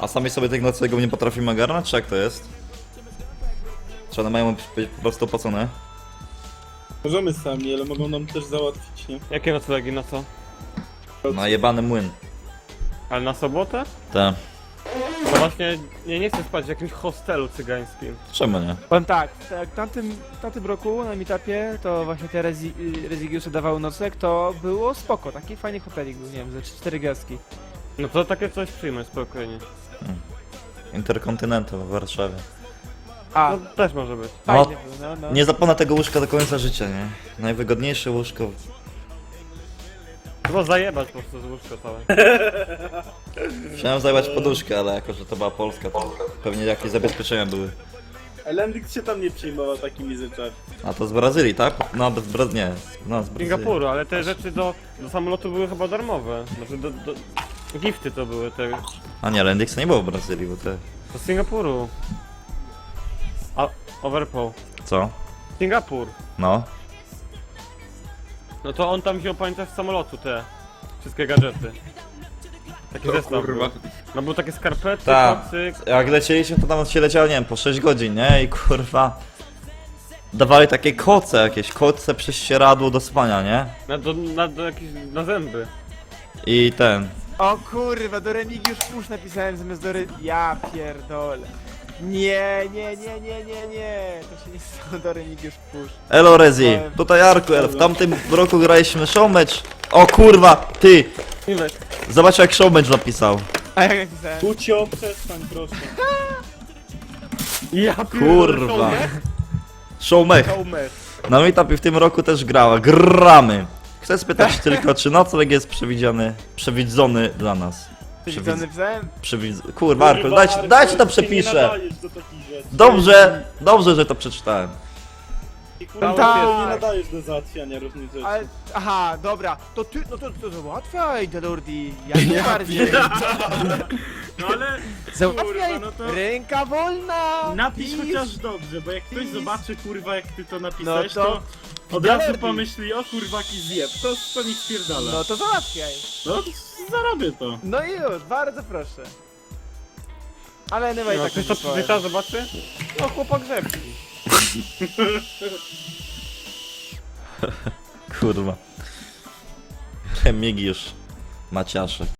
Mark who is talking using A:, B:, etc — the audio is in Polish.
A: A sami sobie tych noclegów nie potrafimy ogarnąć, czy jak to jest? Czy one mają być po prostu opłacone?
B: Możemy sami, ale mogą nam też załatwić, nie?
C: Jakie noclegi, na co?
A: Na jebany młyn.
C: Ale na sobotę?
A: Te.
C: To właśnie nie chcę spać w jakimś hostelu cygańskim.
A: Czemu nie?
D: Powiem tak, w tamtym roku na meetupie to właśnie te Rezigiusy dawały nocleg, to było spoko, taki fajny hotelik był, nie wiem, ze 4 gwiazdki.
C: No to takie coś przyjmę spokojnie.
A: Interkontynental w Warszawie.
D: A,
C: No też może być.
A: No,
D: fajnie był, no.
A: nie zapomnę tego łóżka do końca życia, nie? Najwygodniejsze łóżko.
C: Chyba zajebać po prostu z łóżka całe.
A: Chciałem zajebać poduszkę, ale jako, że to była Polska, to pewnie jakieś zabezpieczenia były.
B: Elendix się tam nie przejmował takimi rzeczami.
A: A to z Brazylii, tak? No, nie. No, z
C: Z
A: Brazylii.
C: Singapuru, ale te rzeczy do samolotu były chyba darmowe. Znaczy gifty to były te.
A: A nie, Lendixa nie było w Brazylii, bo te...
C: Do Singapuru. A, Overpool.
A: Co?
C: Singapur.
A: No.
C: No to on tam wziął, pamiętasz, z samolotu te wszystkie gadżety. Taki zestaw był. No był takie skarpety,
A: Tak.
C: kocyk.
A: Jak lecieliśmy, to tam się leciało, nie wiem, po 6 godzin, nie? I kurwa... Dawali takie koce przez ścieradło do spania, nie?
C: Na zęby.
A: I ten...
D: O kurwa, do Remigiusz Push napisałem zamiast do Ja pierdolę. Nie, to się nie stało do Remigiusz Push.
A: Elo Rezi, tutaj Arkuel, w tamtym roku graliśmy showmatch. O kurwa, ty!
C: Miłek.
A: Zobacz jak showmatch napisał.
D: A jak napisałem?
B: Kucio, przestań proszę.
C: Ja
A: Kurwa. Showmech.
C: Showmech.
A: Na meetupie w tym roku też grała. Gramy. Chcę spytać tylko, czy nocleg jest przewidzony dla nas.
D: Co napisałem?
A: Kurwa, Arkuel, dajcie to
B: Nie
A: przepiszę.
B: nadajesz do takich rzeczy.
A: Dobrze, że to przeczytałem.
B: I kurwa,
D: Tak.
B: nie nadajesz do załatwiania różnych rzeczy.
D: Ale, aha, dobra, to ty, no to załatwiaj, Delordi, jak najbardziej.
B: No ale
D: Załatwiaj,
B: kurwa, no to-
D: ręka wolna.
B: napisz
D: Pisz.
B: chociaż dobrze, bo jak ktoś
D: Pisz.
B: zobaczy kurwa jak ty to
D: No
B: napisałeś,
D: to...
B: to od razu
D: Delordi.
B: pomyśli, o kurwa jaki zjeb, to niech spierdala.
D: No to załatwiaj.
B: No zarobię to.
D: No i już, bardzo proszę. Ale nie ma i
C: No,
D: tak
C: ktoś to przeczyta, zobaczy? No chłopak grzebki.
A: Kurwa. Remigiusz Maciaszek.